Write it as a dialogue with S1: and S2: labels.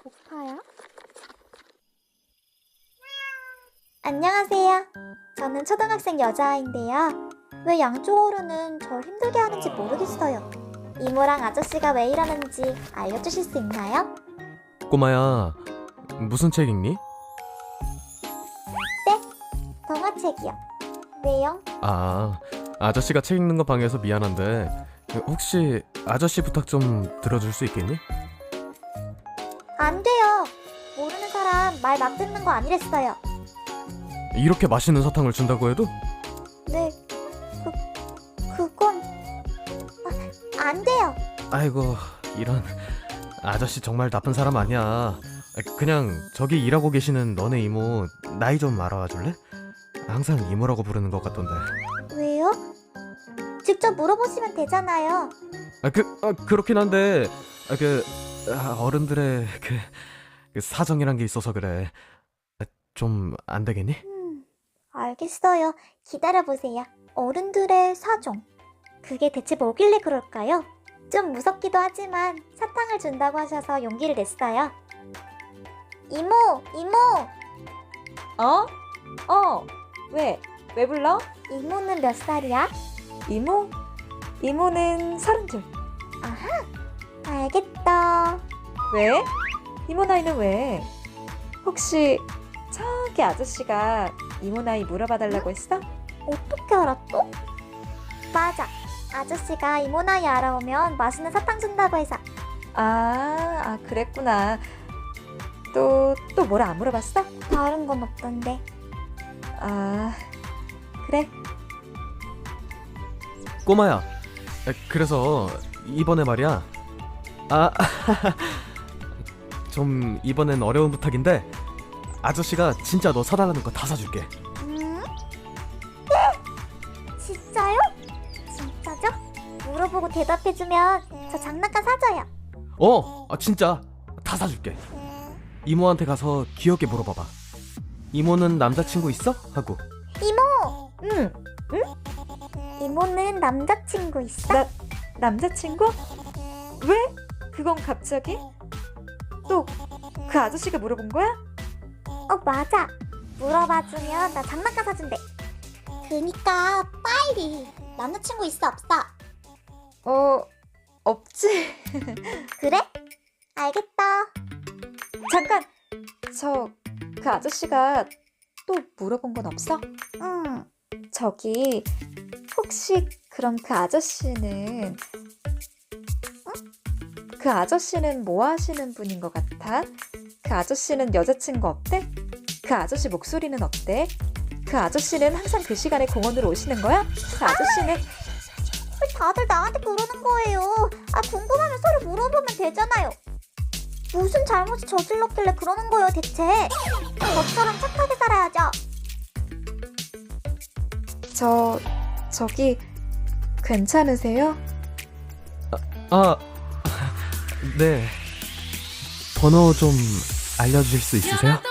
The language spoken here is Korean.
S1: 오빠야? 안녕하세요. 저는 초등학생 여자아이인데요. 왜 양쪽 어른은 절 힘들게 하는지 모르겠어요. 이모랑 아저씨가 왜 이러는지 알려주실 수 있나요?
S2: 꼬마야, 무슨 책 읽니?
S1: 동화책이요. 왜요?
S2: 아저씨가 책 읽는 거 방해해서 미안한데 혹시 아저씨 부탁 좀 들어줄 수 있겠니?
S1: 안 돼요. 모르는 사람 말 막 듣는 거 아니랬어요.
S2: 이렇게 맛있는 사탕을 준다고 해도?
S1: 네, 그건 안 돼요.
S2: 아이고, 이런. 아저씨 정말 나쁜 사람 아니야. 그냥 저기 일하고 계시는 너네 이모 나이 좀 알아와 줄래? 항상 이모라고 부르는 것 같던데.
S1: 왜요? 직접 물어보시면 되잖아요.
S2: 그렇긴 한데 어른들의 그 사정이란 게 있어서 그래. 좀 안 되겠니?
S1: 알겠어요. 기다려보세요. 어른들의 사정. 그게 대체 뭐길래 그럴까요? 좀 무섭기도 하지만 사탕을 준다고 하셔서 용기를 냈어요. 이모! 이모!
S3: 왜? 왜 불러?
S1: 이모는 몇 살이야?
S3: 이모? 이모는 32.
S1: 알겠다.
S3: 왜? 이모 나이는 왜? 혹시 저기 아저씨가 이모 나이 물어봐달라고 했어?
S1: 어떻게 알았어? 맞아. 아저씨가 이모 나이 알아오면 맛있는 사탕 준다고 해서.
S3: 그랬구나. 또 뭐라 안 물어봤어?
S1: 다른 건 없던데.
S3: 그래.
S2: 꼬마야, 그래서 이번에 말이야. 좀 이번엔 어려운 부탁인데 아저씨가 진짜 너 사달라는 거 다 사줄게.
S1: 진짜요? 진짜죠? 물어보고 대답해주면 저 장난감 사줘요.
S2: 진짜 다 사줄게. 이모한테 가서 귀엽게 물어봐봐. 이모는 남자친구 있어? 하고.
S1: 이모!
S3: 응.
S1: 이모는 남자친구 있어?
S3: 남자친구? 왜? 그건 갑자기? 또 그 아저씨가 물어본 거야?
S1: 맞아. 물어봐주면 나 장난감 사준대. 그니까 빨리. 남자친구 있어 없어?
S3: 없지.
S1: 그래? 알겠다.
S3: 잠깐! 그 아저씨가 또 물어본 건 없어?
S1: 응.
S3: 저기 혹시 그럼 그 아저씨는 그 아저씨는 뭐 하시는 분인 것 같아? 그 아저씨는 여자친구 없대? 그 아저씨 목소리는 어때? 그 아저씨는 항상 그 시간에 공원으로 오시는 거야? 그 아저씨는
S1: 왜 다들 나한테 그러는 거예요? 궁금하면 서로 물어보면 되잖아요. 무슨 잘못이 저질렀길래 그러는 거예요 대체? 저처럼 착하게 살아야죠.
S3: 저기 괜찮으세요?
S2: 네. 번호 좀 알려주실 수 있으세요?